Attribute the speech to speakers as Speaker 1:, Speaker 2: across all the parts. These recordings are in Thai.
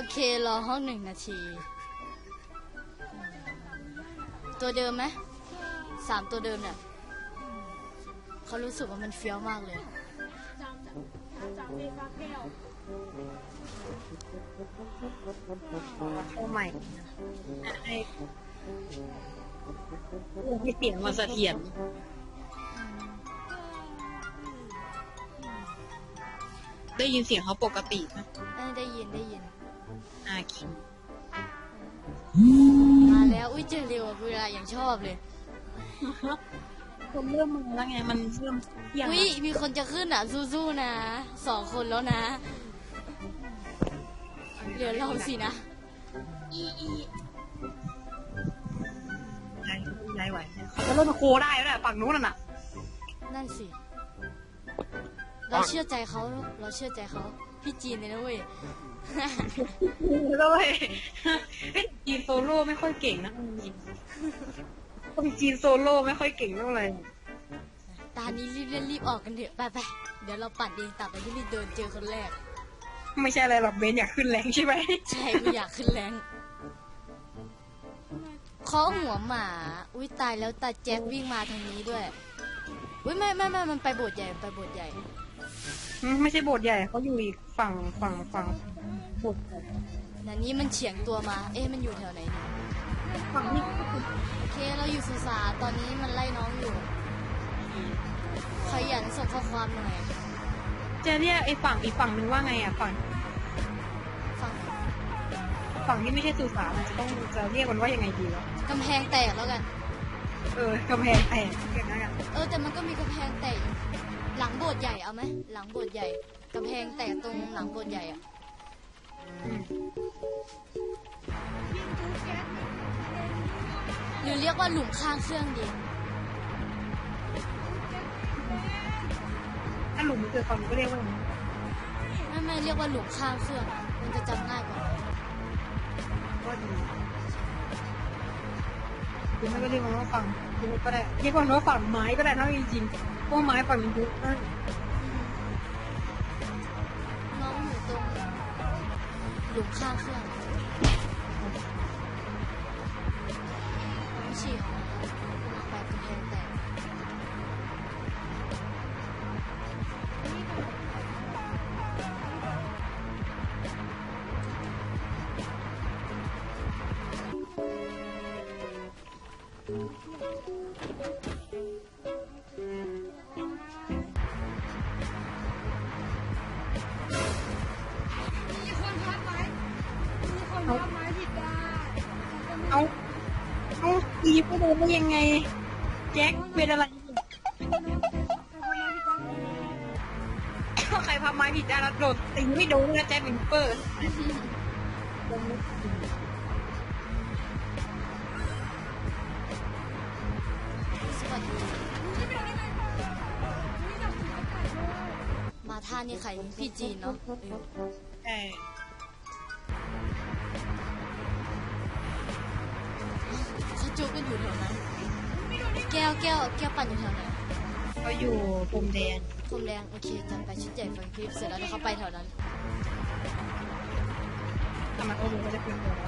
Speaker 1: เครอห้อง1 นาทีตัวเดิมไหม3 ตัวเดิมเนี่ยเขารู้สึกว่ามันเฟี้ยวมากเลย
Speaker 2: โอ้ใหม่ให้เสียงมาเสถียรได้ยินเสียงเขาปกตินะ
Speaker 1: ได้ยิน
Speaker 2: คิง
Speaker 1: มาแล้วอุ้ยเจอเร็วเวลาอย่างชอบเลย
Speaker 2: คนเริ่มมาแล้วไงมันเริ่มเที่ยง
Speaker 1: อุ้ยมีคนจะขึ้นอ่ะสู้ๆนะ2 คนแล้วนะเดี๋ยวเราสินะ
Speaker 2: ย้ายไหวเขาจะเริ่มมาโคได้แล้วแหละฝั่งนู้นน่ะ
Speaker 1: นั่นสิเราเชื่อใจเขาพี่จีนเลยนะเว้ย
Speaker 2: ด้วยจีนโซโล่ไม่ค่อยเก่งนะคนจีนโซโล่ไม่ค่อยเก่งเท่าไหร่
Speaker 1: ตอนนี้รีบออกกันเถอะไปเดี๋ยวเราปั่นเองตัดไปที่รีบเดินเจอคนแรก
Speaker 2: ไม่ใช่อะไรหรอกเบนอยากขึ้นแรงใช่ไหม
Speaker 1: ใช่กูอยากขึ้นแรงเคาะหัวหมาอุ้ยตายแล้วตาแจ็ควิ่งมาทางนี้ด้วยอุ้ยไม่มันไปโบสถ์ใหญ่
Speaker 2: ไม่ใช่โบสถ์ใหญ่เขาอยู่อีกฝั่งโบสถ์ใหญ่
Speaker 1: นั่นนี้มันเฉียงตัวมามันอยู่แถวไหนเนี่ย
Speaker 2: ฝั่งนี้
Speaker 1: โอเคเราอยู่สุสานตอนนี้มันไล่น้องอยู่ขยันส่งข้อความหน่อย
Speaker 2: จะเรียกไอ้ฝั่งอีกฝั่งนึงว่าไงอ่ะฝั่งที่ไม่ใช่สุสานจะเรียกมันว่ายังไงดีวะ
Speaker 1: กำแพงแตกแล้วกัน
Speaker 2: กำแพงแตกเรียกงั้นกัน
Speaker 1: แต่มันก็มีกำแพงแตกหลังโบสถ์ใหญ่เอาไหมหลังโบสถ์ใหญ่กำแพงแตกตรงหลังโบสถ์ใหญ่อ่ะหรือเรียกว่าหลุมข้างเครื่องดี
Speaker 2: ถ้าหลุมมันเกิดฝั่งก็เรียกว่า
Speaker 1: ไม่เรียกว่าหลุมข้างเครื่องมันจะจำง่ายกว่า
Speaker 2: ก็ดีหรือไม่ก็เรียกว่าฝั่งก็ได้เรียกว่าฝั่งไม้ก็ได้ถ้าจริงๆเพราะไม้ฝั่งมันยุบนั่น
Speaker 1: น้องอยู่ตรงหลุมข้างเครื่องฉีกไปกำแพงแตก
Speaker 2: เอาตีไปโดนได้ยังไงแจ็คเป็นอะไรใครพาไม้ผิดได้แล้วโดดตีไม่โดนนะแจ็คเป็นเปิด
Speaker 1: มาท่านี่ใครพี่จีนเนาะเขาจูบกันอยู่แถวนั้นแก้วปั่นอยู่แถวไหน
Speaker 2: เขาอยู่พรมแดง
Speaker 1: โอเคจัดไปชุดใหญ่ฟังคลิปเสร็จแล้วเดี๋ยวเขาไปแถวนั้น
Speaker 2: ทำไมรู้ว่าจะเป็นตัว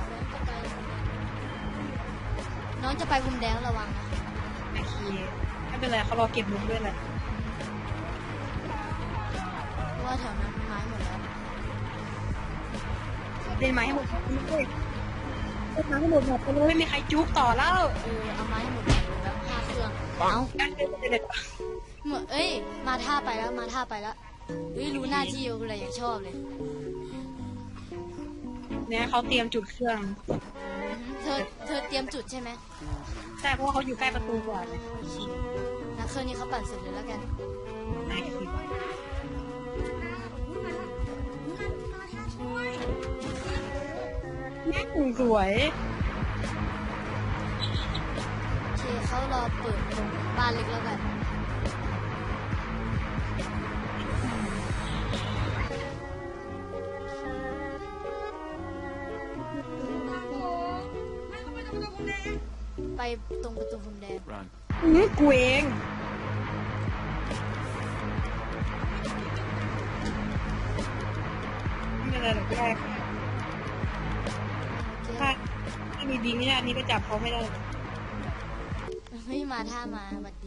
Speaker 1: น้องจะไปพรมแดงระวังนะ
Speaker 2: โอเคไม่เป็นไรเขารอเก็บมุกด้วยแหละ
Speaker 1: เพราะว่าแถวนั้นไม้หมดแล้ว
Speaker 2: เล่นไม้ให้หมดเลยไม้ให้หมดไปเลยไม่มีใครจุกต่อแล้ว
Speaker 1: เอาไม้ให้หมดเลยแล้ว5 เครื่องเหมือนมาท่าไปแล้วรู้หน้าที่อะไรอย่างชอบเลย
Speaker 2: เนี่ยเขาเตรียมจุดเครื่อง
Speaker 1: เธอเตรียมจุดใช่ไหม
Speaker 2: ใช่เพราะว่าเขาอยู่ใกล้ประตูก่อน
Speaker 1: นะเครื่องนี้เขาปั่นเสร็จเลยแล้วกัน
Speaker 2: แม่คุณสวย
Speaker 1: โอเคเขารอเปิดตรงบ้านเล็กแล้วกันไปตรงประตูพรมแดง
Speaker 2: กูเองไม่เป็นไรหรอกแรกยิงไม่ได้อันนี้ก็จับเขาไม่ได้
Speaker 1: เฮ้ยมาท่ามาสวัสดี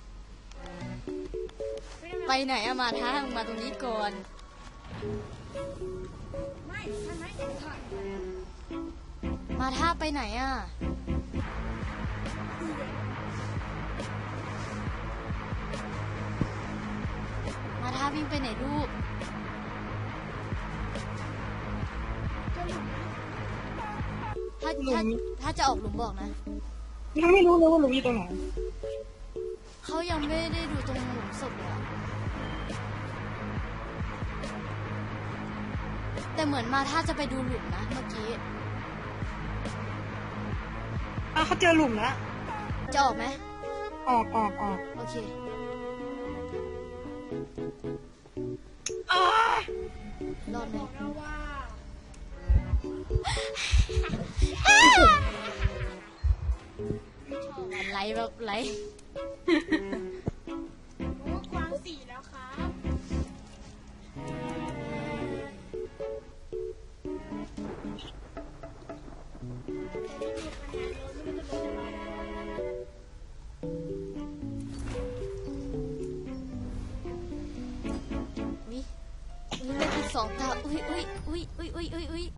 Speaker 1: ไปไหนอะมาท่ามึงมาตรงนี้ก่อน
Speaker 3: ไม่ทำไมเด็กขาด
Speaker 1: มาท่าไปไหนอะมาท่าวิ่งไปไหนลูก ถ้าจะออกหลุมบอกนะ
Speaker 2: ยังไม่รู้เลยว่าหลุมอยู่ตรงไหน
Speaker 1: เขายังไม่ได้ดูตรงหลุมศพเลยอะแต่เหมือนมาท่าจะไปดูหลุมนะเมื่อกี้
Speaker 2: เขาเจอหลุมแล้ว
Speaker 1: จะออกไหม
Speaker 2: ออก
Speaker 1: โอเค รอดไหม
Speaker 3: เราว่า
Speaker 1: ไหลแบบไหล
Speaker 3: โอ้กวางสี่แล้วครับแต่ไม่มีคะแนนเลยไม่รู้จะลงอะไร
Speaker 1: อุ้ยอุ้ยเลือดอีก2 ตาอุ้ย